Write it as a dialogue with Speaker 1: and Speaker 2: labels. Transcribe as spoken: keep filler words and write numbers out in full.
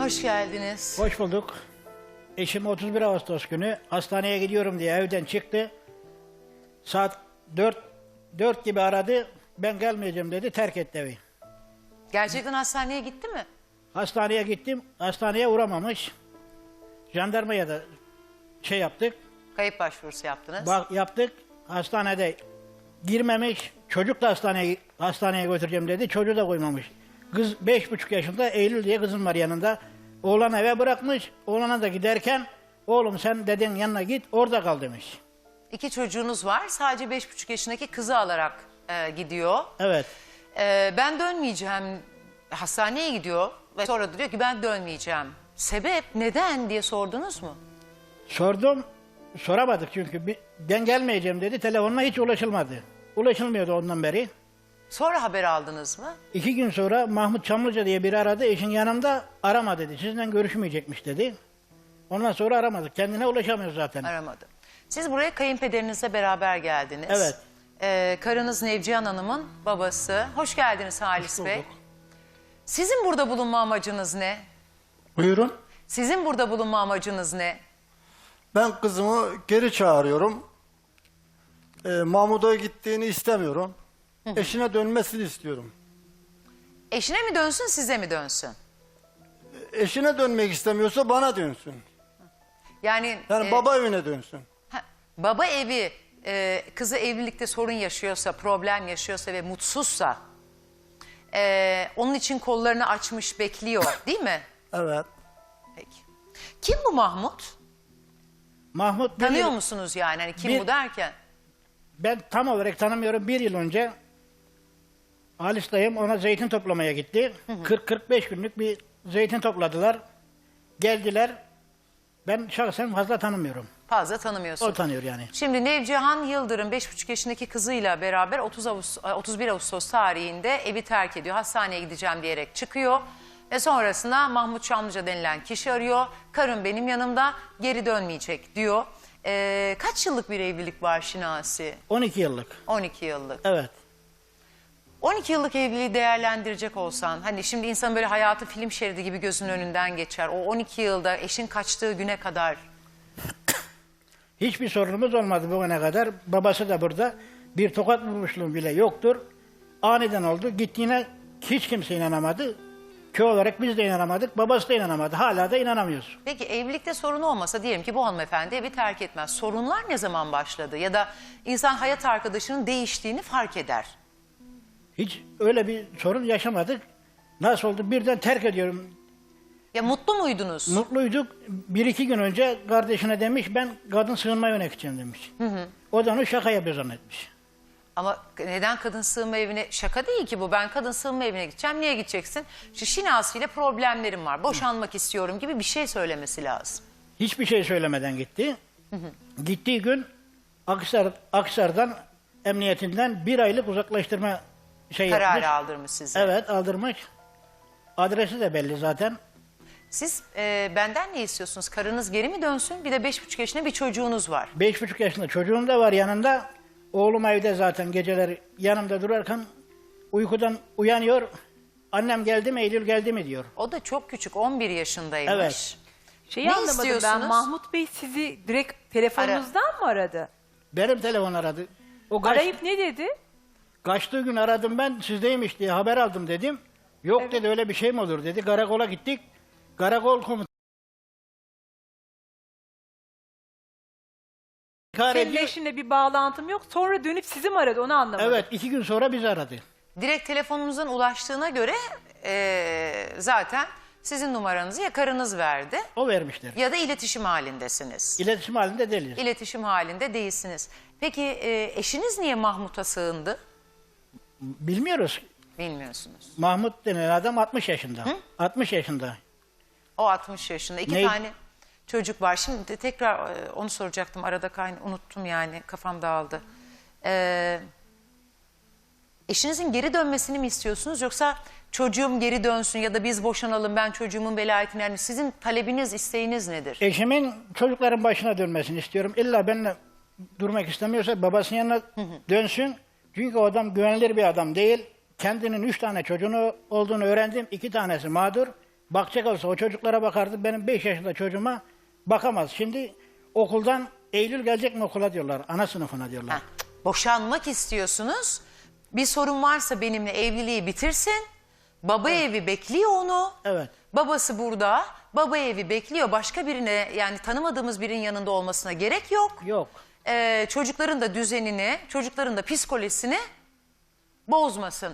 Speaker 1: Hoş geldiniz.
Speaker 2: Hoş bulduk. Eşim otuz bir Ağustos günü hastaneye gidiyorum diye evden çıktı. Saat dört, dört gibi aradı. Ben gelmeyeceğim dedi. Terk etti evi.
Speaker 1: Gerçekten hastaneye gitti mi?
Speaker 2: Hastaneye gittim. Hastaneye uğramamış. Jandarmaya da şey yaptık.
Speaker 1: Kayıp başvurusu yaptınız.
Speaker 2: Bak yaptık. Hastanede girmemiş. Çocuk da hastaneye hastaneye götüreceğim dedi. Çocuğu da koymamış. Kız beş buçuk yaşında, Eylül diye kızım var yanında. Oğlan eve bırakmış. Oğlana da giderken oğlum sen dedenin yanına git orada kal demiş.
Speaker 1: İki çocuğunuz var. Sadece beş buçuk yaşındaki kızı alarak e, gidiyor.
Speaker 2: Evet.
Speaker 1: E, ben dönmeyeceğim. Hastaneye gidiyor ve sonra diyor ki ben dönmeyeceğim. Sebep neden diye sordunuz mu?
Speaker 2: Sordum. Soramadık çünkü. Bir- Ben gelmeyeceğim dedi. Telefonuna hiç ulaşılmadı. Ulaşılmıyordu ondan beri.
Speaker 1: Sonra haber aldınız mı?
Speaker 2: İki gün sonra Mahmut Çamlıca diye biri aradı. Eşin yanımda arama dedi. Sizinle görüşmeyecekmiş dedi. Ondan sonra aramadık. Kendine ulaşamıyor zaten.
Speaker 1: Aramadı. Siz buraya kayınpederinizle beraber geldiniz.
Speaker 2: Evet.
Speaker 1: E, karınız Nevcihan Hanım'ın babası. Hoş geldiniz Halis
Speaker 2: Hoş
Speaker 1: Bey.
Speaker 2: bulduk.
Speaker 1: Sizin burada bulunma amacınız ne?
Speaker 3: Buyurun.
Speaker 1: Sizin burada bulunma amacınız ne?
Speaker 3: Ben kızımı geri çağırıyorum. Ee, Mahmut'a gittiğini istemiyorum. Eşine dönmesini istiyorum.
Speaker 1: Eşine mi dönsün, size mi dönsün?
Speaker 3: Eşine dönmek istemiyorsa bana dönsün.
Speaker 1: Yani,
Speaker 3: Yani
Speaker 1: e,
Speaker 3: baba evine dönsün.
Speaker 1: ha, baba evi e, kızı evlilikte sorun yaşıyorsa, problem yaşıyorsa ve mutsuzsa e, onun için kollarını açmış bekliyor, değil mi?
Speaker 3: Evet.
Speaker 1: Peki. Kim bu Mahmut?
Speaker 2: Mahmut bir
Speaker 1: Tanıyor
Speaker 2: yıl-
Speaker 1: musunuz yani? Hani kim
Speaker 2: Bir-
Speaker 1: bu derken?
Speaker 2: Ben tam olarak tanımıyorum. Bir yıl önce Halis dayım ona zeytin toplamaya gitti. kırk kırk beş günlük bir zeytin topladılar. Geldiler. Ben şahsen fazla tanımıyorum.
Speaker 1: Fazla tanımıyorsun.
Speaker 2: O tanıyor yani.
Speaker 1: Şimdi Nevcihan Yıldırım beş buçuk yaşındaki kızıyla beraber otuz Ağustos, otuz bir Ağustos tarihinde evi terk ediyor. Hastaneye gideceğim diyerek çıkıyor. Ve sonrasında Mahmut Çamlıca denilen kişi arıyor. Karım benim yanımda, geri dönmeyecek diyor. Ee, kaç yıllık bir evlilik var Şinasi?
Speaker 2: on iki yıllık.
Speaker 1: on iki yıllık.
Speaker 2: Evet.
Speaker 1: on iki yıllık evliliği değerlendirecek olsan, hani şimdi insan böyle hayatı film şeridi gibi gözünün önünden geçer. O on iki yılda eşin kaçtığı güne kadar
Speaker 2: Hiçbir sorunumuz olmadı bugüne kadar. Babası da burada. Bir tokat vurmuşluğum bile yoktur. Aniden oldu. Gittiğine hiç kimse inanamadı. Köy olarak biz de inanamadık. Babası da inanamadı. Hala da inanamıyoruz.
Speaker 1: Peki evlilikte sorun olmasa diyelim ki bu hanımefendi evi terk etmez. Sorunlar ne zaman başladı? Ya da insan hayat arkadaşının değiştiğini fark eder.
Speaker 2: Hiç öyle bir sorun yaşamadık. Nasıl oldu? Birden terk ediyorum.
Speaker 1: Ya mutlu muydunuz?
Speaker 2: Mutluyduk. Bir iki gün önce kardeşine demiş ben kadın sığınma evine gideceğim demiş. O da onu şaka yapıyor zannetmiş.
Speaker 1: Ama neden kadın sığınma evine? Şaka değil ki bu. Ben kadın sığınma evine gideceğim. Niye gideceksin? Şu Şinasi ile problemlerim var. Boşanmak istiyorum gibi bir şey söylemesi lazım.
Speaker 2: Hiçbir şey söylemeden gitti. Gittiği gün Aksar, Aksar'dan emniyetinden bir aylık uzaklaştırma şey
Speaker 1: Kararı
Speaker 2: yapmış.
Speaker 1: aldırmış size.
Speaker 2: Evet aldırmış. Adresi de belli zaten.
Speaker 1: Siz e, benden ne istiyorsunuz? Karınız geri mi dönsün? Bir de beş buçuk yaşında bir çocuğunuz var.
Speaker 2: Beş buçuk yaşında çocuğum da var yanında. Oğlum evde zaten geceleri yanımda durarken uykudan uyanıyor. Annem geldi mi Eylül geldi mi diyor.
Speaker 1: O da çok küçük, on bir yaşındaymış.
Speaker 2: Evet.
Speaker 4: Şeyi
Speaker 1: Ne
Speaker 4: anlamadım ben.
Speaker 1: istiyorsunuz?
Speaker 4: Mahmut Bey sizi direkt telefonunuzdan mı aradı?
Speaker 2: Benim telefon aradı. O kaç,
Speaker 4: Arayıp ne dedi?
Speaker 2: kaçtığı gün aradım ben sizdeymiş diye haber aldım dedim. Yok dedi öyle bir şey mi olur dedi. Karakola gittik. Karakol komutanı İnkar
Speaker 4: Senin
Speaker 2: ediyor.
Speaker 4: eşinle bir bağlantım yok. Sonra dönüp sizi mi aradı onu anlamadım.
Speaker 2: Evet iki gün sonra bizi aradı.
Speaker 1: Direkt telefonunuzun ulaştığına göre e, zaten sizin numaranızı ya karınız verdi
Speaker 2: O vermişler.
Speaker 1: ya da iletişim halindesiniz.
Speaker 2: İletişim halinde değiliz.
Speaker 1: İletişim halinde değilsiniz. Peki e, eşiniz niye Mahmut'a sığındı?
Speaker 2: Bilmiyoruz.
Speaker 1: Bilmiyorsunuz.
Speaker 2: Mahmut denen adam altmış yaşında. altmış yaşında.
Speaker 1: O altmış yaşında. İki
Speaker 2: Ne?
Speaker 1: tane çocuk var. Şimdi de tekrar e, onu soracaktım. Arada kayn unuttum yani. Kafam dağıldı. Ee, eşinizin geri dönmesini mi istiyorsunuz? Yoksa çocuğum geri dönsün ya da biz boşanalım ben çocuğumun velayetini... Yani sizin talebiniz, isteğiniz nedir?
Speaker 2: Eşimin çocukların başına dönmesini istiyorum. İlla benimle durmak istemiyorsa babasının yanına dönsün. Çünkü o adam güvenilir bir adam değil. Kendinin üç tane çocuğunu olduğunu öğrendim. İki tanesi mağdur. bakacak olsa o çocuklara bakardı. Benim beş yaşında çocuğuma bakamaz. Şimdi okuldan Eylül gelecek mi okula diyorlar. Ana sınıfına diyorlar.
Speaker 1: Heh, boşanmak istiyorsunuz. Bir sorun varsa benimle evliliği bitirsin. Baba evi bekliyor onu.
Speaker 2: Evet.
Speaker 1: Babası burada. Baba evi bekliyor. Başka birine, yani tanımadığımız birinin yanında olmasına gerek yok.
Speaker 2: Yok.
Speaker 1: Ee, çocukların da düzenini, çocukların da psikolojisini bozmasın.